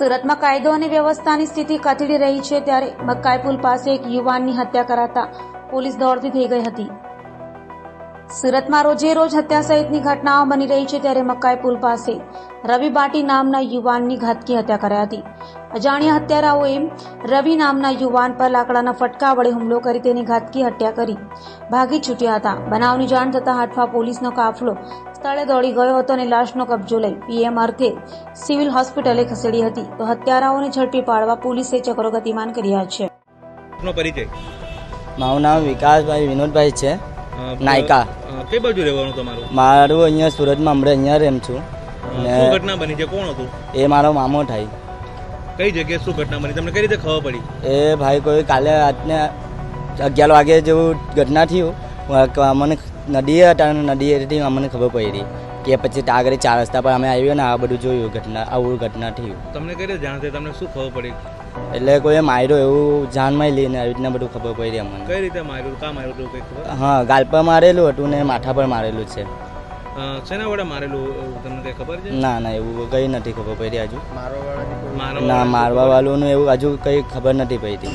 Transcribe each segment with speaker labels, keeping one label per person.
Speaker 1: સુરતમાં કાયદો અને વ્યવસ્થાની સ્થિતિ કથળી રહી છે ત્યારે મકાઈ પુલ પાસે એક યુવાનની હત્યા કરાતા પોલીસ દોડતી થઈ ગઈ હતી. સુરતમાં રોજે રોજ હત્યા સહિતની ઘટનાઓ બની રહી છે ત્યારે મકાઈ પુલ પાસે રવિ બાટી નામના યુવાનની ઘાતકી હત્યા કરાઈ હતી. અજાણ્યા હત્યારાઓએ રવિ નામના યુવાન પર લાકડાના ફટકા વડે હુમલો કરી તેની ઘાતકી હત્યા કરી ભાગી છૂટ્યા હતા. બનાવની જાણ થતાં હાટફા પોલીસનો કાફલો સ્થળે દોડી ગયો હતો અને લાશનો કબજો લઈ પીએમ અર્થે સિવિલ હોસ્પિટલે ખસેડી હતી. તો હત્યારાઓને ઝડપી પાડવા પોલીસે ચક્રો ગતિમાન કર્યા છે.
Speaker 2: મારું નામ વિકાસભાઈ વિનોદભાઈ છે. નાયકા.
Speaker 3: કઈ બાજુ રહેવાનું તમારું?
Speaker 2: મારું અહીંયા સુરતમાં હમણાં અહીંયા રેમ છું.
Speaker 3: શું ઘટના બની છે? કોણ હતું?
Speaker 2: એ મારો મામો થાય.
Speaker 3: કઈ જગ્યાએ શું ઘટના બની? તમને કઈ રીતે ખબર પડી?
Speaker 2: એ ભાઈ કોઈ કાલે રાતને 11 વાગે જેવું ઘટના થયું. મને નદીએ હતા અને નદીએથી અમને ખબર પડી કે પછી આગળ 4 રસ્તા પર અમે આવ્યો ને આ બધું જોયું ઘટના આવું ઘટના થયું.
Speaker 3: તમને કઈ રીતે જાણ થઈ? તમને શું ખબર પડી?
Speaker 2: એટલે કોઈ માર્યો એવું જાનમાં લઈને આવી રીતના બધું ખબર પડી અમને.
Speaker 3: કઈ રીતે માર્યું? કાં માર્યું હતું? કઈ ખબર?
Speaker 2: હા, ગાલ પર મારેલું હતું ને માથા પર મારેલું છે.
Speaker 3: શેના વડે મારેલું તમને કઈ ખબર છે?
Speaker 2: ના ના, એવું કઈ નથી ખબર પડી હજુ.
Speaker 3: ના,
Speaker 2: મારવા વાળું એવું હજુ કઈ ખબર નથી પડી.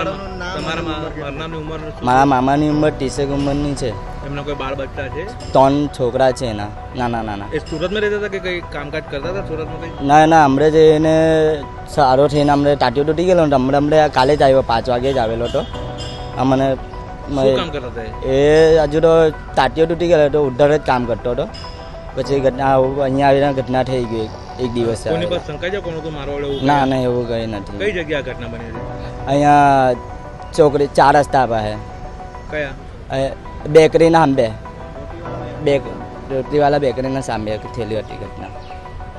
Speaker 2: મારા મામાની ઉંમર 30 ઉંમરની છે.
Speaker 3: એમના કોઈ બાળ બચ્ચા છે?
Speaker 2: 3 છોકરા છે એના નાના.
Speaker 3: એ સુરતમાં રહેતા હતા કે કઈ કામકાજ કરતા હતા સુરતમાં? કઈ
Speaker 2: ના, હમણાં જ એને સારો થઈને હમણાં ટાટીઓ તૂટી ગયેલો ને હમણાં કાલે જ આવ્યો, 5 વાગે જ આવેલો હતો. અમને
Speaker 3: શું કામ કરતા હતા?
Speaker 2: એ હજુ તો ટાટીઓ તૂટી ગયેલો હતો, ઉધર જ કામ કરતો હતો. પછી ઘટના અહીંયા આવીને ઘટના થઈ ગઈ એક દિવસ.
Speaker 3: કોની પર શંકા છે? કોણ હતું મારવાડે?
Speaker 2: ના, એવું કઈ નથી.
Speaker 3: કઈ જગ્યા ઘટના બની છે?
Speaker 2: અહીંયા ચોકડી 4 રસ્તા પાસે.
Speaker 3: કયા?
Speaker 2: બેકરીના સામે, રોટીવાળા બેકરીના સામે થયેલી હતી ઘટના.